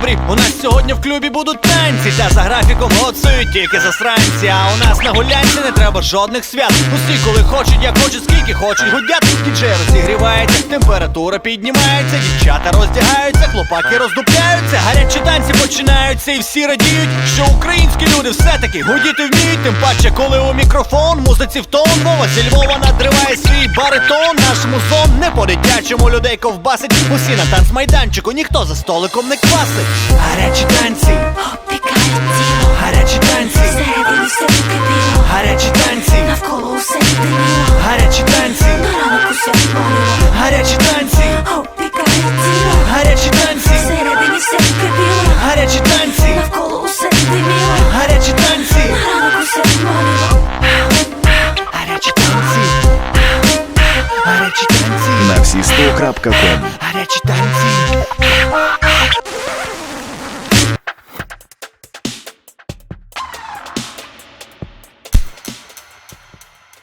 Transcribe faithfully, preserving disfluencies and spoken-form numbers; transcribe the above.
добрі. У нас сьогодні в клубі будуть танці, та за графіком голосують тільки засранці. А у нас на гулянці не треба жодних свят. Усі коли хочуть, як хочуть, скільки хочуть гудять. Діджей розігрівається, температура піднімається, дівчата роздягаються, хлопаки роздупляються. Гарячі танці починаються і всі радіють, що українські люди все-таки гудіти вміють. Тим паче, коли у мікрофон, музиці в тон. Вова зі Львова надриває свій баритон. Наш музон не по-дитячому людей ковбасить. Усі на танцмайданчику, ніхто за столиком не квасить. Гарячі танці, обпікає тіло, гарячі танці, всередині все кипіло, гарячі танці, навколо усе диміло, гарячі танці, на ранок усе боліло, гарячі танці, обпікає тіло, гарячі танці, всередині все кипіло, гарячі танці, навколо усе диміло, гарячі танці, на ранок усе боліло. гарячі танці, гарячі танці, на всі сто крапка ком. гарячі танці.